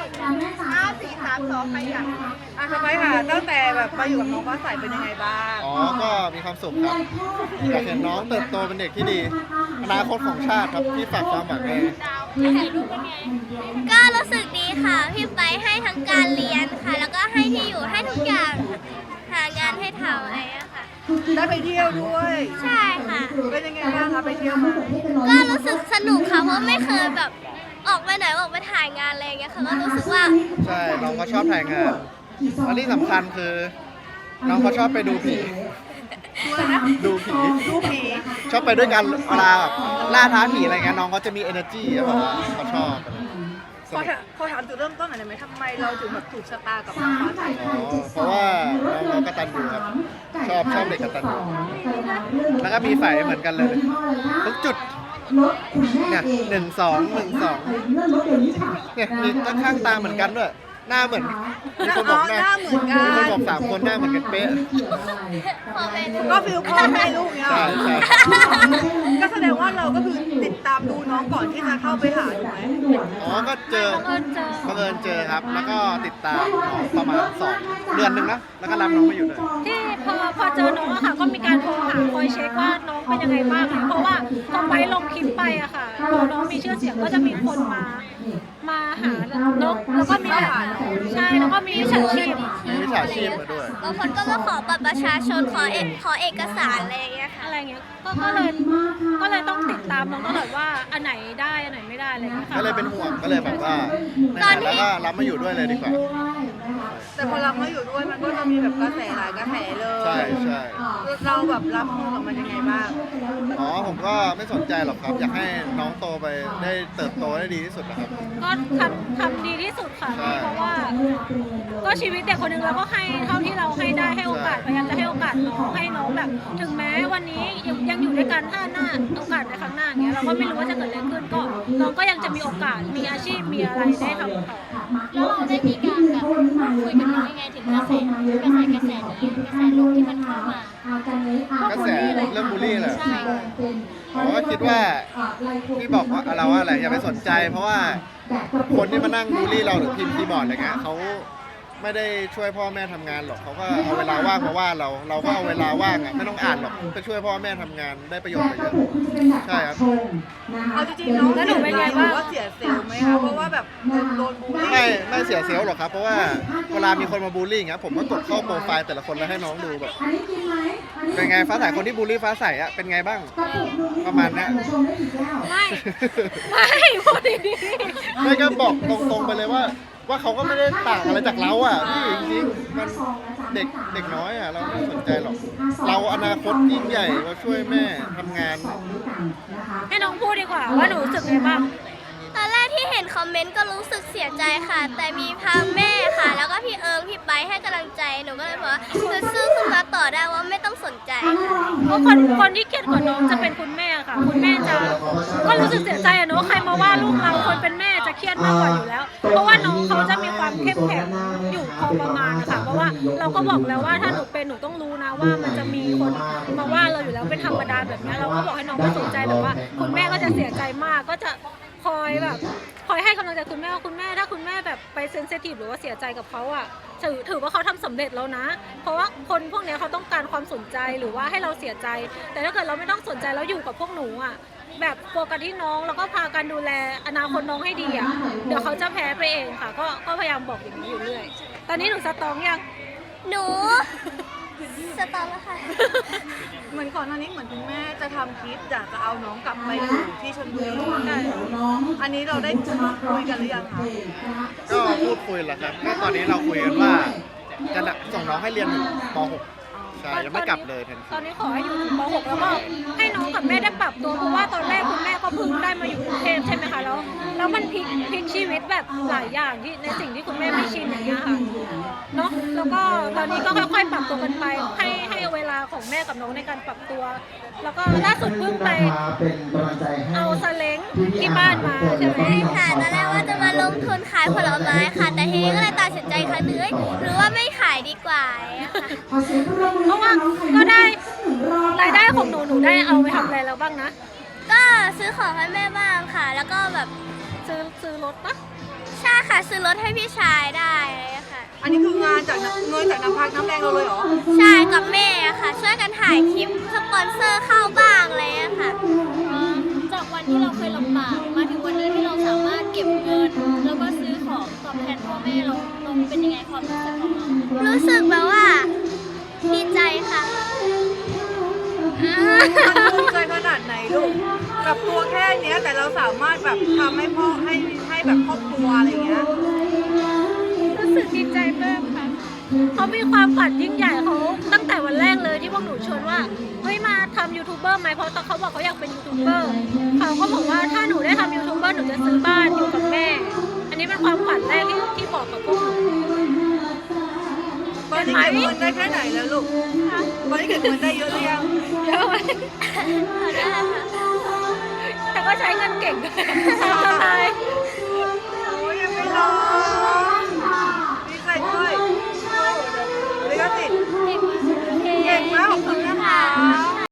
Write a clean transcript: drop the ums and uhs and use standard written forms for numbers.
5 4 3 2ใครอยากทำไมค่ะตั้งแต่แบบมาอยู่กับน้องฟ้าใสเป็นยังไงบ้างอ๋อก็มีความสุขครับอยากเห็นน้องเติบโตเป็นเด็กที่ดีอนาคตของชาติครับที่ฝากความหวังไว้ก็รู้สึกดีค่ะพี่ไปให้ทั้งการเรียนค่ะ แล้วก็ให้ที่อยู่ให้ทุกอย่างหางานให้ทำอะไรอะค่ะได้ไปเที่ยวด้วยใช่ค่ะเป็นยังไงบ้างคะไปเที่ยวมาก็รู้สึกสนุกค่ะเพราะไม่เคยแบบออกไปไหนออกไปถ่ายงานอะไรอย่างเงี้ยค่ะก็รู้สึกว่าใช่น้องก็ชอบถ่ายงานและที่สำคัญคือน้องเขาชอบไปดูผีด้วยนะดูผีดูผีชอบไปด้วยกันเวลาแบบล่าท้าผีอะไรเงี้ยน้องเขาจะมี energy อะแบบว่าเขาชอบสนุกขอถามจุดเริ่มต้นหน่อยได้ไหมทำไมเราถึงแบบถูกชะตากับน้องฟ้าใสอ๋อเพราะว่าน้องเขากตัญญูครับชอบเด็กกตัญญูแล้วก็มีฝ่ายเหมือนกันเลยทุกจุดเนี่ย1 2 1 2เนี่ยมีข้างตาเหมือนกันด้วยหน้าเหมือนมีคนบอกหน้าเหมือนกันมีคนบอก3 คนหน้าเหมือนกันเป๊ะพอเป็นก็ฟิลพ่อแม่ลูกเนี่ยใช่ใช่ก็แสดงว่าเราก็คือติดตามดูน้องก่อนที่จะเข้าไปหาถูกไหมอ๋อก็เจอบังเอิญเจอครับ แล้วก็ติดตามน้องประมาณ2 เดือนหนึ่งนะแล้วก็รับน้องมาอยู่เลยที่พอเจอน้องอะค่ะก็มีการโทรหาคอยเช็คว่าน้องเป็นยังไงบ้างเลยเพราะว่าพอไปลงคลิปไปอะค่ะพอน้องมีชื่อเสียงก็จะมีคนมาหาน้องแล้วก็มีแบบใช่แล้วก็มีมิจฉาชีพมีวิชาชีพมาด้วยบางคนก็มาขอบัตรประชาชนขอเอกสารอะไรอย่างเงี้ยค่ะอะไรเงี้ยก็เลยต้องติดตามน้องตลอดว่าอันไหนได้อันไหนไม่ได้อะไรเงี้ยค่ะก็เลยเป็นห่วงก็เลยแบบว่าแล้วก็รับมาอยู่ด้วยเลยดีกว่าแต่พอเรามาอยู่ด้วยมันก็จะมีแบบกระแสหลายกระแสเลยใช่ใช่เราแบบรับมือกับมันยังไงบ้างอ๋อผมก็ไม่สนใจหรอกครับ อยากให้น้องโตไปได้เติบโตได้ดีที่สุดนะครับก็ทำดีที่สุดค่ะใช่เพราะว่าก็ชีวิตเด็กคนหนึ่งเราก็ให้เท่าที่เราให้ได้ให้โอกาสพยายามจะให้โอกาสน้องให้น้องแบบ ถึงแม้วันนี้ยังอยู่ด้วยกันถ้าหน้าโอกาสในครั้งหน้าเงี้ยเราก็ไม่รู้ว่าจะเกิดอะไรขึ้นก็น้องก็ยังจะมีโอกาสมีอาชีพมีอะไรได้ทำต่อแล้วเราได้มีการแบบคุยกับน้องยังไงถึงกระแสนี้กระแสลบที่มันเข้ามากระแสเรื่องบูลลี่แหละใช่ผมก็คิดว่าที่บอกว่าเราว่าอะไรอย่าไปสนใจ เพราะว่าคนที่มานั่งบูลลี่เราหรือพิมพ์คีย์บอร์ดอะไรเงี้ยเขาไม่ได้ช่วยพ่อแม่ทำงานหรอกเขาก็เอาเวลาว่างมาว่าเราก็เอาเวลาว่างอ่ะไม่ต้องอ่านหรอกไปช่วยพ่อแม่ทำงานได้ประโยชน์ไปเยอะใช่ครับเอาจริงๆน้องเสียใจหรือว่าเสียเซลล์ไหมคะเพราะว่าแบบโดนบูลลี่ไม่เสียเซลล์หรอกครับเพราะว่าเวลามีคนมาบูลลี่อย่างเงี้ยผมก็กดเข้าโปรไฟล์แต่ละคนแล้วให้น้องดูแบบเป็นไงฟ้าใสคนที่บูลลี่ฟ้าใสอ่ะเป็นไงบ้างประมาณเนี้ยไม่พูดดีไม่ก็บอกตรงๆไปเลยว่าเขาก็ไม่ได้ต่างอะไรจากเราอ่ะพี่จริงๆมันเด็กน้อยอ่ะเราไม่สนใจหรอกเราอนาคตยิ่งใหญ่เราช่วยแม่ทำงานๆให้น้องพูดดีกว่าว่าหนูรู้สึกไงบ้างตอนแรกที่เห็นคอมเมนต์ก็รู้สึกเสียใจค่ะ แต่มีพาแม่ค่ะ แล้วก็พี่เอิงพี่ไปให้กำลังใจหนูก็เลยบอกว่าจะสู้ขึ้นมาต่อได้ว่าไม่ต้องสนใจเพราะคนที่เครียดกว่าน้องจะเป็นคุณแม่ค่ะ คุณแม่จะก็รู้สึกเสียใจอะเนาะใครมาว่าลูกเราคนเป็นแม่จะเครียดมากกว่าอยู่แล้ว เพราะว่าน้องเขาจะมีความเข้มแข็งอยู่พอประมาณนะคะเพราะว่าเราก็บอกแล้วว่าถ้าหนูเป็นหนูต้องรู้นะว่ามันจะมีคนมาว่าเราอยู่แล้วเป็นธรรมดาแบบนี้เราก็บอกให้น้องไม่สนใจแต่ว่า คุณแม่ก็จะเสียใจมากก็จะคอยให้กำลังใจคุณแม่ว่าคุณแม่ถ้าคุณแม่แบบไปเซนซิทีฟหรือว่าเสียใจกับเขาอ่ะถือว่าเขาทำสำเร็จแล้วนะ เพราะว่าคนพวกเนี้ยเขาต้องการความสนใจหรือว่าให้เราเสียใจ แต่ถ้าเกิดเราไม่ต้องสนใจแล้วอยู่กับพวกหนูอ่ะแบบโฟกัสที่น้องแล้วก็พากันดูแลอนาคตน้องให้ดีอ่ะเดี๋ยวเขาจะแพ้ไปเองค่ะ ก็พยายามบอกอย่างนี้อยู่เรื่อยตอนนี้หนูสตรองยังหนูสตอร์แล้วค่ะเหมือนก่อนหน้านี้เหมือนคุณแม่จะทำคลิปอยากจะเอาน้องกลับไปอยู่ที่ชลบุรีอันนี้เราได้คุยกันหรือยังคะก็พูดคุยแหละครับก็ตอนนี้เราคุยกันว่าจะส่งน้องให้เรียนถึงป .6 ใช่ยังไม่กลับเลยทันทีตอนนี้ขอให้อยู่ถึงป .6 แล้วก็ให้น้องกับแม่ได้ปรับตัวเพราะว่าตอนแรกคุณแม่ก็เพิ่งได้มาอยู่กรุงเทพใช่ไหมคะแล้วมันพลิกชีวิตแบบหลายอย่างที่ในสิ่งที่คุณแม่ไม่ชินอย่างเงี้ยค่ะเนาะแล้วก็ตอนนี้ก็ค่อยๆปรับตัวกันไปให้เวลาของแม่กับน้องในการปรับตัว แล้วก็ล่าสุดเพิ่งไปเอาซาเล้งที่บ้านมาใช่ไหมค่ะตอนแรกว่าจะมาลงทุนขายผลไม้ค่ะ แต่ทีนี้ก็เลยตัดสินใจครั้งนึงหรือว่าไม่ขายดีกว่าอะค่ะเพราะว่าก็ได้รายได้ของหนูได้เอาไปทำอะไรแล้วบ้างนะก็ซื้อของให้แม่บ้างค่ะ แล้วก็แบบซื้อรถปะใช่ค่ะค่ะซื้อรถให้พี่ชายได้เลยค่ะอันนี้คืองานจากเงินจากน้ำพักน้ำแรงเราเลยเหรอใช่กับแม่ค่ะ ช่วยกันถ่ายคลิปสปอนเซอร์เข้าบ้างอะไรเลยค่ะจากวันที่เราเคยลำบากมาถึงวันนี้ที่เราสามารถเก็บเงิน แล้วก็ซื้อของตอบแทนพ่อแม่เราเป็นยังไงความรู้สึกของเรารู้สึกแบบว่าดีใจค่ะมันภูมิใจขนาดไหนลูกกับตัวแค่เนี้ยแต่เราสามารถแบบทำให้พ่อให้แบบครอบครัวอะไรเงี้ยรู้สึกดีใจมากค่ะเขามีความฝันยิ่งใหญ่เขาตั้งแต่วันแรกเลยที่พวกหนูชวนว่าเฮ้ยมาทำยูทูบเบอร์ไหมเพราะตอนเขาบอกเขาอยากเป็นยูทูบเบอร์เขาก็บอกว่าถ้าหนูได้ทำยูทูบเบอร์หนูจะซื้อบ้านอยู่กับแม่ อันนี้เป็นความฝันแรกที่บอกกับพวกหนูตอนนี้เก็บเงินได้แค่ไหนแล้วลูกตอนนี้เก็บเงินได้เยอะหรือยังเยอะไหมแต่ก็ใช้เงินเก่งตามสไตล์